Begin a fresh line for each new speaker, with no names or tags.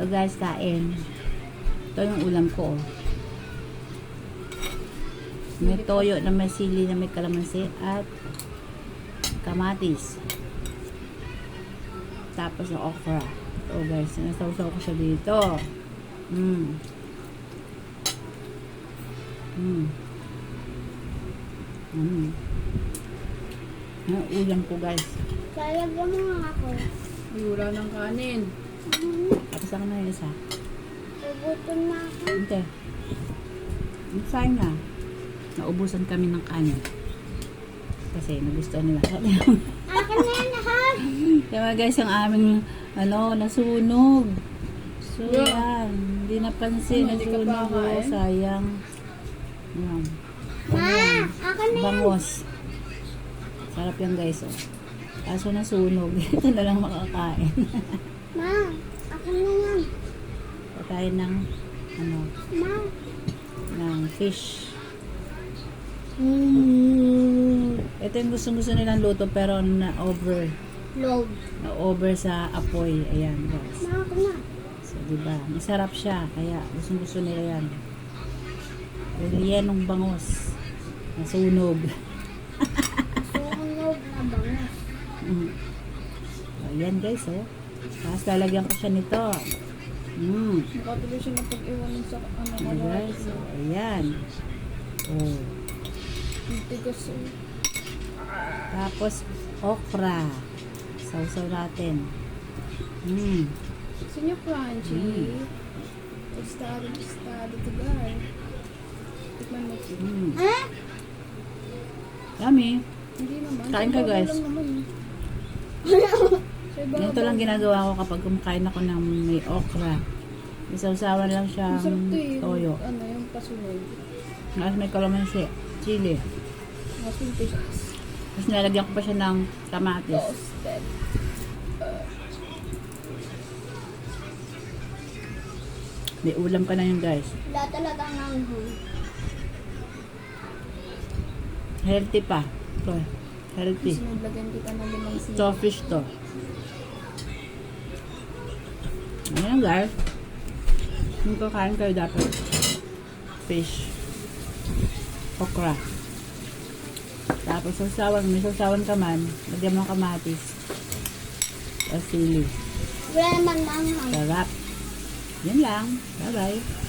guys, kain. Ito yung ulam ko. May toyo na may sili na may kalamansi at kamatis. Tapos yung okra. Ito guys, nasawsaw ko siya dito. Yung ulam ko guys.
Lalagyan mo nga ako.
Ay, wala ng kanin.
Tapos ako na yung isa.
Ubutin na ako.
Hindi. Sayang na. Naubusan kami ng kanin. Kasi nagustuhan nila.
Akin na yan lahat.
Kaya guys, ang aming nasunog. So yan. Hindi napansin.
Hindi ka
Nasunog.
pa kakain?
Sayang. Yan.
Ma, akin na yan.
Bangos. Sarap yan guys. Oh. Kaso nasunog. Ito na lang makakain.
Ma, akin na yan.
Patayin ng
Ma.
ng fish. Ito yung gusto nilang luto pero na-over.
Load.
Na-over sa apoy. Ayan guys.
Ma, ako na.
So, diba? Masarap siya. Kaya gusto nila yan. Relyenong bangos. Nasunog.
Sunog na bangas.
So, ayan guys, oh. Tapos lalagyan ko siya nito.
Nakatuloy siya na pag-iwanin sa
Ayan guys. So, ayan. Oh.
Ang tigas eh.
Tapos, okra. Sausaw natin.
Gusto niya crunchy. Estado to guys. Tikman mo siya.
Ha?
Yummy.
Hindi naman.
Kain ka,
Sa
guys.
ibabaw lang naman eh. Sa ibabaw.
Ganito lang ginagawa ko kapag kumakain ako ng may okra. Isawsawan lang siyang
Masarap to eh.
toyo.
Ano, yung pasunod.
Tapos may kalamansi, chili.
Masunod siya.
Tapos nilagyan ko pa siya ng kamatis.
Toasted.
May ulam pa na yun guys.
Wala talagang nanghang.
Healthy pa. Ito, healthy.
Sunod, lagyan kita ng limang sili.
Ito, fish to. Ayan guys. Kung kakain kayo dapat fish. Okra. Tapos sausawan. May sausawan ka man. Lagyan mo ng kamatis. At sili.
Wala naman nanghang.
Sarap. Yan lang. Bye-bye.